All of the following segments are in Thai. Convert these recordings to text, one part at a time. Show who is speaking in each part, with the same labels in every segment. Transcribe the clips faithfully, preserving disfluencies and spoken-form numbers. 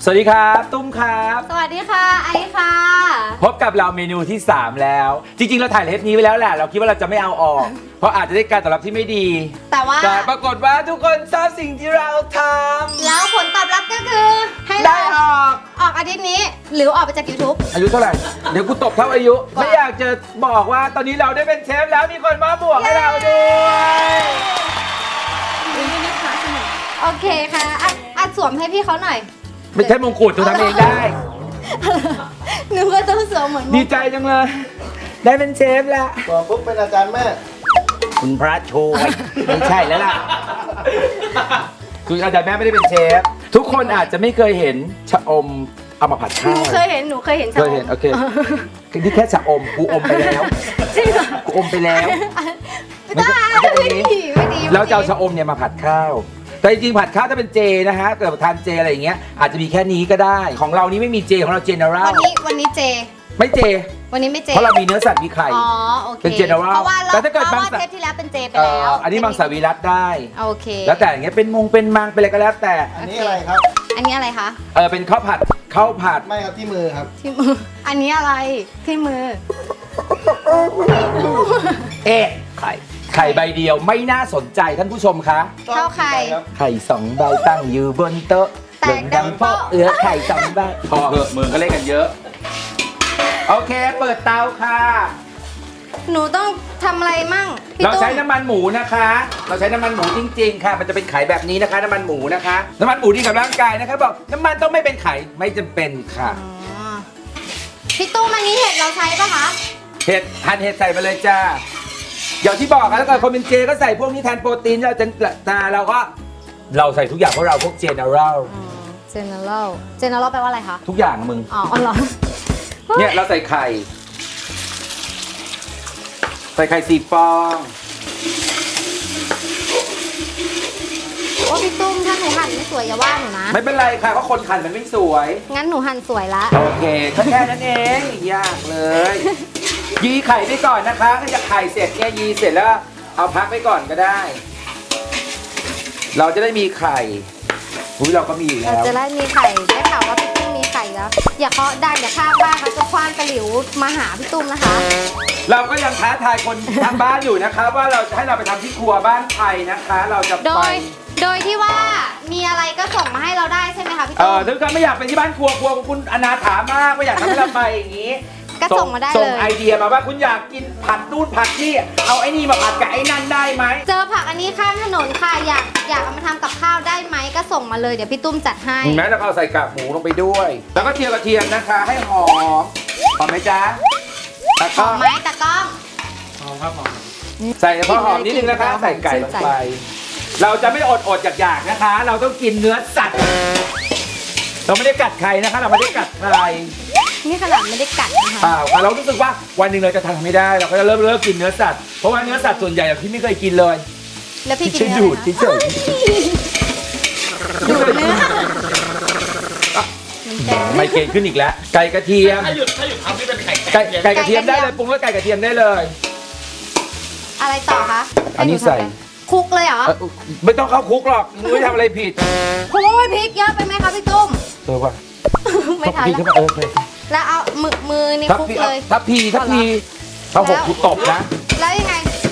Speaker 1: วัสดีครับตุ้มครับ
Speaker 2: สวัสดีค่ะไอซ์ค่ะ
Speaker 1: พบกับเราเมนูที่สามแล้วจริงๆเราถ่ายเทปนี้ไว้แล้วแหละเราคิดว่าเราจะไม่เอาออก เพราะอาจจะได้การตอบรับที่ไม่ดี
Speaker 2: แต่ว่า
Speaker 1: แต่ปรากฏว่าทุกคนชอบสิ่งที่เราท
Speaker 2: แล้วผลตอบรับก็คือ ให้
Speaker 1: ำได้
Speaker 2: เรา
Speaker 1: ออก
Speaker 2: ออกอาทิตย์นี้ หรือออกไปจาก YouTube
Speaker 1: อายุเท่าไหร่เดี๋ยวกูตบเท่าอายุ
Speaker 2: กว่า
Speaker 1: ไม่อยากจะบอกว่าตอนนี้เราได้เป็นเชฟแล้วมีคนมาบวกให้เราด้วย
Speaker 2: โอเคค่ะอ่ะอ่ะสวมให้พี่เขาหน่อย
Speaker 1: ไม่ใช่มงกุฎตัวทำเองได้
Speaker 2: หนูก็ต้องสวมเหมือน
Speaker 1: ดีใจจังเลย ได้เป็นเชฟแล้ว
Speaker 3: บอกปุ๊บเป็นอาจารย์แม่
Speaker 1: คุณพระช่วยไม่ใช่แล้วล่ะคืออาจารย์แม่ไม่ได้เป็นเชฟทุกคนอาจจะไม่เคยเห็นชะอมเอามาผัด
Speaker 2: ห
Speaker 1: ข้า
Speaker 2: นู
Speaker 1: ว
Speaker 2: เคยเห็นหนูเคยเห็น
Speaker 1: เคยเห็นโอเคนี่แค่ชะอมกูอมไปแล้ว
Speaker 2: จริงเหรอ
Speaker 1: กูอมไปแล้ว
Speaker 2: ไม่ได้
Speaker 1: ไม่ใช่
Speaker 2: ไม่
Speaker 1: อันนี้
Speaker 2: ดีไม่ดี
Speaker 1: แล้วจะเอาชะอมเนี่ยมาผัดข้าว แต่จริงๆผัดข้าวถ้าเป็นเจนะฮะเกิดทานเจอะไรอย่างเงี้ยอาจจะมีแค่นี้ก็ได้ของเรานี้ไม่มีเจของเราเจเนอรัล
Speaker 2: วันนี้วันนี้เจ
Speaker 1: ไม่เจ
Speaker 2: วันนี้ไม่เจ
Speaker 1: เพราะเรามีเนื้อสัตว์มีไข่
Speaker 2: อ๋อโอเค
Speaker 1: เป็น general
Speaker 2: เพราะว่าเรา
Speaker 1: แต่ถ้าเกิด
Speaker 2: เพราะว่า
Speaker 1: บางสัตว์
Speaker 2: เทปที่แล้วเป็นเจไป
Speaker 1: เอ่
Speaker 2: แล้ว
Speaker 1: ออันนี้มังสวิรัตได้
Speaker 2: โอเค
Speaker 1: แล้วแต่อย่างเงี้ยเป็นมงเป็นมังเป็นอะไรก็แล้วแต่
Speaker 3: อันนี้อะไรครับ
Speaker 2: อันนี้อะไรคะ
Speaker 1: เออเป็นข้าวผัดข้าวผัด
Speaker 3: ไม่ครับที่มือครับ
Speaker 2: ที่มือ อันนี้อะไรที่มือ
Speaker 1: เอ๊ะไข่ไข่ใบเดียวไม่น่าสนใจท่านผู้ชมคะ
Speaker 2: ข้าวไข่
Speaker 3: ครับ
Speaker 1: ไข่สองใบตั้งอยู่บนโต๊ะ
Speaker 2: แตกดังโป๊ะ
Speaker 1: เอือไข่สองใบพอเหอะมือก็เล่นกันเยอะ โอเคเปิดเตาค่ะ
Speaker 2: หนูต้องทำอะไรมั่งพี่
Speaker 1: เรา
Speaker 2: ตุ้ม
Speaker 1: ใช้น้ำมันหมูนะคะ เราใช้น้ำมันหมูจริงๆค่ะ มันจะเป็นไข่แบบนี้นะคะ น้ำมันหมูนะคะ น้ำมันหมูดีกับร่างกายนะคะบอกน้ำมันต้องไม่เป็นไข่ไม่จำเป็นค่ะ
Speaker 2: อ๋อพี่ตุ้มอันนี้เห็ดเราใช้ปะคะ
Speaker 1: เห็ดหั่นเห็ดใส่ไปเลยจ้าอย่างที่บอกค่ะถ้าเกิดคนเป็นเจก็ใส่พวกนี้แทนโปรตีนเราจะแต่เราก็เราใส่ทุกอย่างเพราะเราพวกเจเนอรัล
Speaker 2: general general แปลว่าอะไรคะ
Speaker 1: ทุกอย่างอะมึง
Speaker 2: อ๋ออ๋อเหรอ
Speaker 1: เนี่ยเราใส่ไข่ ใส่ไข่สี่ฟอง
Speaker 2: โอ้พี่ตุ้มถ้าหนูหั่นไม่สวยอย่าว่าหนูนะ
Speaker 1: ไม่เป็นไรค่ะเพราะคนหั่นมันไม่สวย
Speaker 2: งั้นหนูหั่นสวยละ
Speaker 1: โอเคก็แค่นั้นเองไม่ยากเลย ยีไข่ไปก่อนนะคะถ้าจะไข่เสร็จเนี่ยยีเสร็จแล้วเอาพักไปก่อนก็ได้ เราจะได้มีไข่อุ้ยเราก็มีอยู่
Speaker 2: เรา
Speaker 1: แล้ว
Speaker 2: จะได้มีไข่ได้ข่าวว่าพี่ตุ้มมีไข่แล้ว อย่าเคาะดังอย่าข้างบ้านเขาจะคว้านตะหลิวมาหาพี่ตุ้มนะคะ
Speaker 1: เราก็ยังท้าทายคนทางบ้านอยู่นะคะ ว่าเราจะให้เราไปทำที่ครัวบ้านใครนะคะ เราจะ
Speaker 2: โด
Speaker 1: ไป
Speaker 2: ย โดยที่ว่ามีอะไรก็ส่งมาให้เราได้ใช่ไหมคะพี่
Speaker 1: เอ
Speaker 2: ตุ้
Speaker 1: อ
Speaker 2: ม
Speaker 1: ถ้าเกิดไม่อยากไปที่บ้านครัวครัวของคุณอนาถามากไม่อยากทำให้เราไปอย่างนี้
Speaker 2: ก็ส่งมาได้
Speaker 1: ส่
Speaker 2: เล
Speaker 1: ง
Speaker 2: ย
Speaker 1: ไอเดียมาว่าคุณอยากกินผัดนู่นผัดนี่เอาไอ้นี่มาผัดกับไอ้นั่นได้ไหม
Speaker 2: เจอผักอันนี้ข้างถนนค่ะอยากอยากเอามาทำกับข้าวได้ไหมก็ส่งมาเลยเดี๋ยวพี่ตุ้มจัดให้
Speaker 1: แม้เราก็เอาใส่กากหมูลงไปด้วย แล้วก็เจียวกระเทียมนะคะ ให้หอมหอมไหมจ๊ะแล้ว
Speaker 2: ห
Speaker 1: ก็
Speaker 2: อมไหมตากล้อง
Speaker 1: ใส่เฉพาะหอมนิดนึงนะคะ ใส่ไก่ลงไป เราจะไม่อดอดอยากๆนะคะ เราต้องกินเนื้อสัตว์ เราไม่ได้กัดใครนะคะ เราไม่ได้กัดใคร
Speaker 2: นี่ขนาดไม่ได้กัดนะคะ
Speaker 1: เปล่าค่ะเรารู้สึกว่าวันหนึ่งเราจะทำไม่ได้ เราก็จะเริ่มเลิกกินเนื้อสัตว์ เพราะว่าเนื้อสัตว์ส่วนใหญ่เราที่ไม่เคยกินเลย
Speaker 2: แล้วพี่กิน
Speaker 1: ที่
Speaker 2: เนื้
Speaker 1: ดู
Speaker 2: อ
Speaker 1: ด
Speaker 2: อะไร
Speaker 1: ที่
Speaker 2: คะ
Speaker 1: เฉย
Speaker 2: ดูดเนื้อมันแดง
Speaker 1: ไมเกรนขึ้นอีกแล้ว ไก่กระเทียม
Speaker 4: ถ้าหยุดถ้าหยุดทำนี่เป็นไข่
Speaker 1: ไก่ไก่กระเทียมได้เลยปรุงด้วยไก่กระเทียมได้เลย
Speaker 2: อะไรต่อคะ
Speaker 1: อันนี้ใส่
Speaker 2: คลุกเลยเหรอ
Speaker 1: เอ่อไม่ต้องเข้าคุกหรอกมึงไม่ทำอะไรผิด
Speaker 2: โอ้ยพริกเยอะไปไหมคะพี่ตุ้ม
Speaker 1: เออว่ะ
Speaker 2: ไม่ทัน
Speaker 1: พี่
Speaker 2: แล้ว
Speaker 1: ขึ้นมาเออเคย
Speaker 2: แล้วเอามือมือนี่
Speaker 1: ทับ
Speaker 2: คลุก
Speaker 1: พี่
Speaker 2: เลย
Speaker 1: ทับพีทับพีถ้าหกกูตบนะ
Speaker 2: แล้วยังไง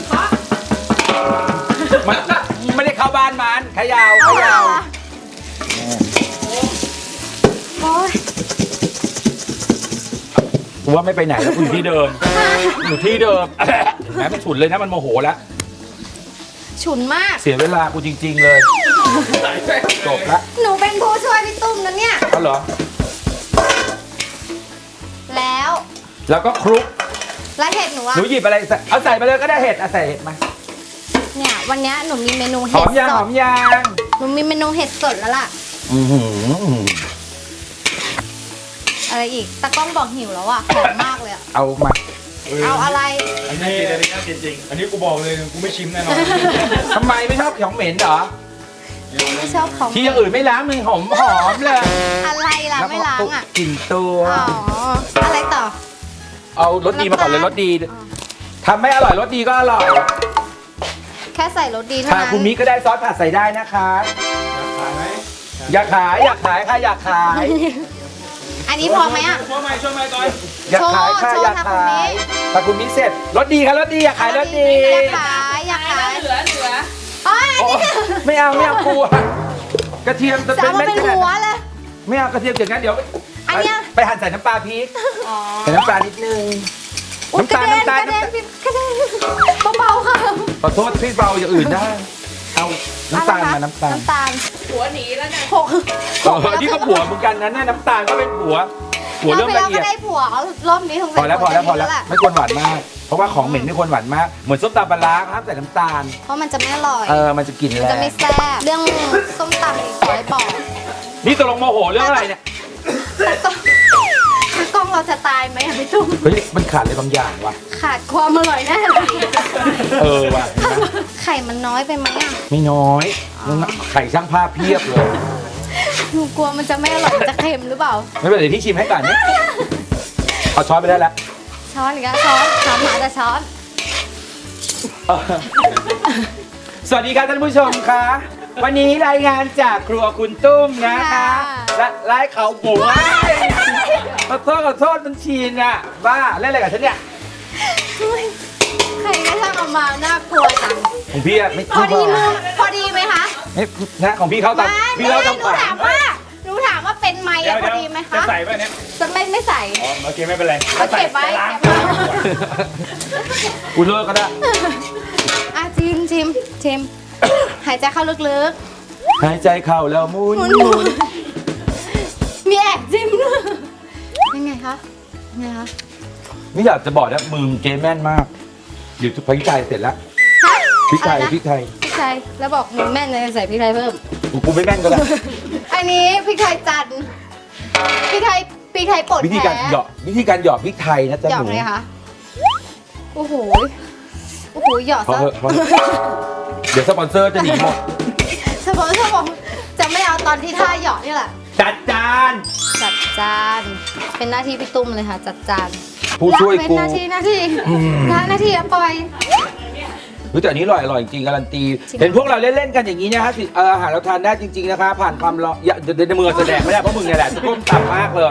Speaker 1: มันไม่ได้เข้าบ้านมันเขยาวเขยาว
Speaker 2: โอ้ย
Speaker 1: กูว่าไม่ไปไหนแล้วกูอยู่ที่เดิมอยู่ที่เดิมแหมมันฉุนเลยนะมันโมโหแล้ว
Speaker 2: ฉุนมาก
Speaker 1: เสียเวลากูจริง ๆ เลยจบละ
Speaker 2: หนูเป็นผู้ช่วยพี่ตุ้มนะเนี่ย
Speaker 1: ก็เหรอ
Speaker 2: แล้ว
Speaker 1: แล้วก็คลุก
Speaker 2: แล้วเห็ดหนูอะ
Speaker 1: หนูหยิบอะไรใส่เอาใส่ไปเลยก็ได้เห็ดเอาใส่เห็ดมา
Speaker 2: เนี่ยวันเนี้ยหนูมีเมนู
Speaker 1: ห
Speaker 2: เห็
Speaker 1: อ
Speaker 2: ด
Speaker 1: มยาง
Speaker 2: ส
Speaker 1: หอ
Speaker 2: ด
Speaker 1: มยาง
Speaker 2: หนูมีเมนูเห็ดสดแล้วล่ะ
Speaker 1: อือหือ
Speaker 2: อะไรอีกตากล้องบอกหิวแล้วอะหอมมากเลยอะ
Speaker 1: เอามา
Speaker 2: เอาอะไร
Speaker 4: อันนี้อันนี้น่ากินจริง อันนี้กูบอกเลยกูไม่ชิมแน่นอน
Speaker 1: ทำไมไม่ชอบของเหม็นเหรอ
Speaker 2: ไม่ชอบของ
Speaker 1: ที่อย่างอื่นไม่ล้างมือหอมหอมเลย
Speaker 2: อะไรล่ะไม่ล้างอะ
Speaker 1: กลิ่นตัว
Speaker 2: อ๋ออะไรต่อ
Speaker 1: เอารสดีมาก่อนเลยรสดีทำไม่อร่อยรสดีก็อร่อย
Speaker 2: แค่ใส่รสดีเท่า
Speaker 1: ทา
Speaker 2: นั้น
Speaker 1: คุมิก็ได้ซอสผัดใส่ได้นะคะ
Speaker 4: ทานไหมท
Speaker 1: อยากขายอยากขายค่ะอยากขาย
Speaker 2: อันนี้พอไหมอ่ะ
Speaker 4: ช่วยไหมช่วยไหมก่อน
Speaker 1: อยากขายค่ะ
Speaker 2: โชว์
Speaker 1: อยาก
Speaker 2: โชว์
Speaker 1: ขาย
Speaker 2: ทางคุณมิ
Speaker 1: ถ้าคุณมิเสร็จรถดีค่ะรถดีอยากขายรถดี
Speaker 2: อยากขายอยากขาย
Speaker 5: เหลือเหลือ
Speaker 2: โอ้ย
Speaker 1: โอ้ไม่เอาไม่เอากลัวกระเทียมจะ
Speaker 2: จะ
Speaker 1: เป็น
Speaker 2: เอามา
Speaker 1: เม็ด
Speaker 2: เป็น
Speaker 1: ขนาด
Speaker 2: หัว
Speaker 1: นั้น
Speaker 2: เลย
Speaker 1: ไม่เอากระเทียมอย่างนั้นเดี๋ยว
Speaker 2: อันเนี้ย
Speaker 1: ไปหั่นใส่น้ำปลาพริก
Speaker 2: อ๋อ
Speaker 1: ใส่น้ำปลานิดนึง
Speaker 2: อุ๊ย
Speaker 1: น้ำตาล
Speaker 2: กระเด็น
Speaker 1: น้ำตาล
Speaker 2: กระเด็นพี่กระเด็นเบาๆค่ะ
Speaker 1: ขอโทษพี่เบาอย่างอื่นได้ เอาน้ำตาล
Speaker 2: อะไรคะ
Speaker 1: มาน้ำตาล
Speaker 2: น้ำตาล
Speaker 5: หัวหนีแล้วเนี่ย
Speaker 2: หก
Speaker 1: เออนี่ก็ผัวเหมือนกันนะเนี่ยน้ำตาลก็เป็นผัวผัวเริ่มละเอียด
Speaker 2: ก็ได้ผัวรอบนี้คง
Speaker 1: พอแล้วพอแล้วพอแล้ว
Speaker 2: แหละ
Speaker 1: ไม่ควรหวานมาก เพราะว่าของเหม็นไม่ควรหวานมาก เหมือนส้มตำปลาร้าครับใส่น้ำตาล
Speaker 2: เพราะมันจะไม่อร่อย
Speaker 1: เออ มันจะกลิ่น
Speaker 2: มัน
Speaker 1: แร
Speaker 2: จะ
Speaker 1: ง
Speaker 2: ไม่แซ่บเรื่องส้มตำอีกขอให้บอก
Speaker 1: นี่ตกลงโมโหเรื่องอะไรเนี่ย
Speaker 2: แต่ก็คือกล้องเราจะตายไหมอะพี่ตุ้ม
Speaker 1: เฮ้ย มันขาดอะไรบางอย่างว่ะ
Speaker 2: ขาดความอร่อยแน่เลย
Speaker 1: เออว่ะเห็นไหม
Speaker 2: ไข่มันน้อยไปไหมอ่ะ
Speaker 1: ไม่น้อยไข่ช่างภาพเพียบเลย
Speaker 2: หนูกลัวมันจะไม่อร่อยมันจะเค็มหรือเปล่า
Speaker 1: ไม่เป็นไรเดี๋ยวพี่ชิมให้ก่อนเนี่ยเอาช้อนไปได้แล้ว
Speaker 2: ช้อนอีกแล้วช้อนช้อนหมาแต่ช้อน
Speaker 1: เออสวัสดีครับท่านผู้ชมคะวันนี้รายงานจากครัวคุณตุ้มนะคะและไล่เขาบุ๋งขอโทษขอโทษมันชีนอ่ะบ้าเล่นอะไรกับฉันเนี่ย
Speaker 2: ใครก็ช่างเอามาน่ากลัวจัง
Speaker 1: ของพี่อะไม่
Speaker 2: พอดีมือพอดีไหมคะ
Speaker 1: ไม่นะของพี่เขาตาม
Speaker 2: ไม่
Speaker 1: พี่เขา
Speaker 2: ห
Speaker 1: ตาม
Speaker 2: นู
Speaker 1: ขวา
Speaker 2: ถามว่าหนูถามว่าเป็นไหม
Speaker 4: เดี๋ย
Speaker 2: อะ
Speaker 4: ว
Speaker 2: พอ
Speaker 4: เดี๋ยว
Speaker 2: ดีไหม
Speaker 4: จะ
Speaker 2: คะ
Speaker 4: ใส่ป่ะเนี่ย
Speaker 2: จะไม่ไม่ใส่
Speaker 4: อ๋อโอเคไม่เป็นไร
Speaker 2: เอาเก็บไว้
Speaker 4: จะล้าง
Speaker 2: เก็บไว้
Speaker 1: กูเลิกก็ได้
Speaker 2: อ่ะชิมชิมชิมหายใจเข้าลึก
Speaker 1: หายใจเข้าแล้วหมุน
Speaker 2: ๆหมุน
Speaker 1: ห
Speaker 2: หมุ
Speaker 1: มุน
Speaker 2: นมีแอบจิ้มด้วยยังไงคะยังไงคะ
Speaker 1: ไม่อยากจะบอกนะมือมึงเกมแม่นมากเดี๋ยวพริกไทยเสร็จแล้ว
Speaker 2: ฮะ
Speaker 1: พริกไทย
Speaker 2: อะไรนะ
Speaker 1: พริกไทย
Speaker 2: พริกไทยแล้วบอกหนูแม่นเลยใส่พริกไทยเพิ่ม
Speaker 1: กูกูไม่แม่นก็ได้
Speaker 2: อันนี้พริกไทยจันทร์พริกไทยพริกไทยป่น
Speaker 1: วิธีการ
Speaker 2: แท้
Speaker 1: เหยาะวิธีการเหยาะพริกไทยนะจ๊ะ
Speaker 2: หยอ
Speaker 1: ห
Speaker 2: ก
Speaker 1: นู
Speaker 2: เลยคะโอ้โหโอ้โหหยอด
Speaker 1: พอ
Speaker 2: ซะ
Speaker 1: เถอะพอเถอะเดี๋ยวสปอนเซอร์จะหนีหมด
Speaker 2: เฉพาะเฉพาะจะไม่เอาตอนที่ท่าหยอดนี่แหละ
Speaker 1: จัดจาน
Speaker 2: จัดจานเป็นหน้าที่พี่ตุ้มเลยค่ะจัดจาน
Speaker 1: ผู้ช่วย
Speaker 2: เป็น
Speaker 1: กู
Speaker 2: หน้าที่หน้าที่
Speaker 1: อืม
Speaker 2: หน้าหน้าที่อะปล่อย
Speaker 1: เฮ้ยแต่อันนี้อร่อยอร่อยจริงการันตี
Speaker 2: จริง
Speaker 1: เห็นพวกเราเล่นๆกันอย่างนี้นะฮะสิเอออาหารเราทานได้จริง ๆนะคะ ผ่านความร้อนอย่าเดี๋ยวเดี๋ยวมือแสดงไม่ได้เพราะมึงเนี่ยแหละจะก้มต่ำมากเลย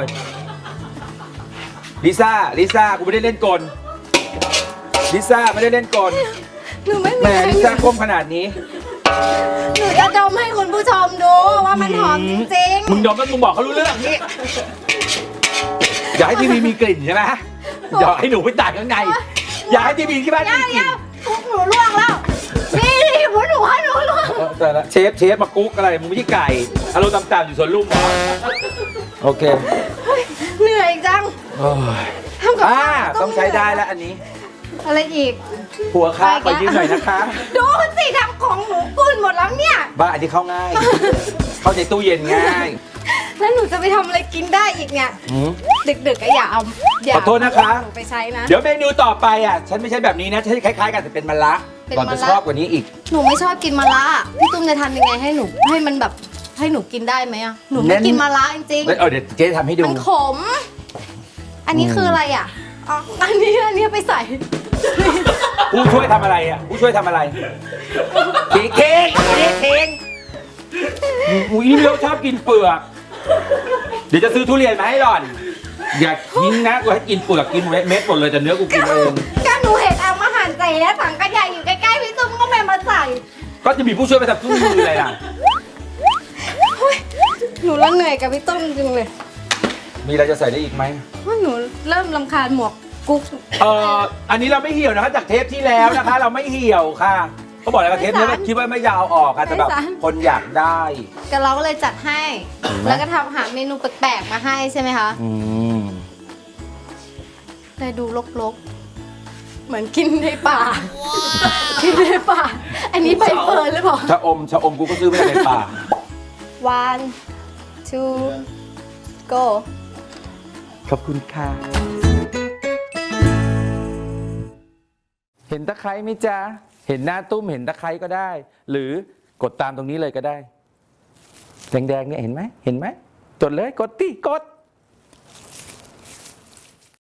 Speaker 1: ลิซ่าลิซ่ากูไม่ได้เล่นกลลิซ่าไม่ได้เล่นกล
Speaker 2: หนูไม่
Speaker 1: แหม
Speaker 2: มี
Speaker 1: ลิซ่าก้มขนาดนี้
Speaker 2: หนูจะดมให้คุณผู้ชมดูว่ามันหอมจริงๆ
Speaker 1: มึงดมแล้วมึงบอกเขารู้เรื่องนี้อยากให้ทีวีมีกลิ่นใช่ไหมอยากให้หนูไปตากข้างในอยากให้ทีวีที่บ้าน
Speaker 2: เดี๋
Speaker 1: มี
Speaker 2: ยว
Speaker 1: กลิ่
Speaker 2: เดี๋
Speaker 1: น
Speaker 2: ยวกุ๊กหนูล่วงแล้วนี่นี่หัวหนูหัวหนูล่วง
Speaker 1: เออแต่ละเชฟเชฟมากุ๊กอะไรมึงไม่ใช่ไก่อารมณ์ต่ำๆอยู่สวนลุมเหรอโอเค
Speaker 2: เหนื่อยจัง
Speaker 1: โอ้ย
Speaker 2: ทำกับ
Speaker 1: อ่า
Speaker 2: ข้าว
Speaker 1: ต้องใช้ได้แล้วอันนี้
Speaker 2: อะไรอีก
Speaker 1: หัวค้าขอยืมหน่อยนะคะ
Speaker 2: ดูสิทำของหนูกุนหมดแล้วเนี่ย
Speaker 1: บ้าอันนี้เข้าง่าย เข้าในตู้เย็นง่าย
Speaker 2: แล้วหนูจะไปทำอะไรกินได้อีกเนี่ย
Speaker 1: อืม
Speaker 2: ดึกๆก็อย่าเอาอย่า
Speaker 1: ขอโทษนะคะ
Speaker 2: หนูไปใช้นะ
Speaker 1: เดี๋ยวเมนูต่อไปอ่ะ ฉันไม่ใช่แบบนี้นะฉันคล้ายๆกันแต่เป็นมะระ
Speaker 2: เป็น
Speaker 1: ก่อน
Speaker 2: มะ
Speaker 1: จะ
Speaker 2: ระ
Speaker 1: ชอบกว่านี้อีก
Speaker 2: หนูไม่ชอบกินมะระพี่ตุ้มจะทำยังไงให้หนูให้มันแบบให้หนูกินได้ไหมอะหนู
Speaker 1: เน้
Speaker 2: ไม่
Speaker 1: น
Speaker 2: กินมะระจริง
Speaker 1: เออเดี๋ยวเจ๊ทำให้
Speaker 2: ๆ
Speaker 1: ดู
Speaker 2: มันขม อันนี้คืออะไรอ่ะอ๋ออันนี้อันนี้ไปใส่
Speaker 1: ผู้ช่วยทำอะไรอ่ะ ผู้ช่วยทำอะไรเค้กเค้กเค้กเค้กอุ้ยนี่เราชอบกินเปลือก เดี๋ยวจะซื้อทุเรียนมาให้หล่อน อย่าทิ้งนะกูให้กินเปลือกกินเม็ดหมดเลยแต่เนื้อกูกินเอง
Speaker 2: ก็หนูเห็นเอามาหั่นใส่แล้วถังกระยาอยู่ใกล้ๆพี่ตุ้มก็ไม่มาใส่
Speaker 1: ก็จะมีผู้ช่วยไปทำทุกมือเลยล่ะ
Speaker 2: เฮ้ยหนูละเหนื่อยกับพี่ตุ้มจริงเลย
Speaker 1: มีอะไรจะใส่ได้อีกไหม
Speaker 2: ว่าหนูเริ่มรำคาญหมวกกุ๊ก
Speaker 1: เอ่ออันนี้เราไม่เหี่ยวนะคะจากเทปที่แล้วนะคะ เราไม่เหี่ยวค่ะเขาบอกแล้วว่าเทปนี้คิดว่าไม่ยาวออกค่ะแต่แบบคนอยากได้
Speaker 2: ก็เราก็เลยจัดให้
Speaker 1: เห็นไหม
Speaker 2: แล้วก็ทำหาเมนูแปลกๆมาให้ใช่ไหมคะ
Speaker 1: อืม
Speaker 2: เลยดูลกๆ เหมือนกินในป่า กินในป่า อันนี้ใบเฟิร์นหรือเปล่า
Speaker 1: ชะอมชะอมกูก็ซื้อมาจากในป่า
Speaker 2: one two go
Speaker 1: ขอบคุณค่ะ เห็นตะไคร้ไหมจ๊ะ เห็นหน้าตุ้มเห็นตะไคร้ก็ได้ หรือกดตามตรงนี้เลยก็ได้ แดงๆเนี่ยเห็นไหมเห็นไหมจดเลยกดติกด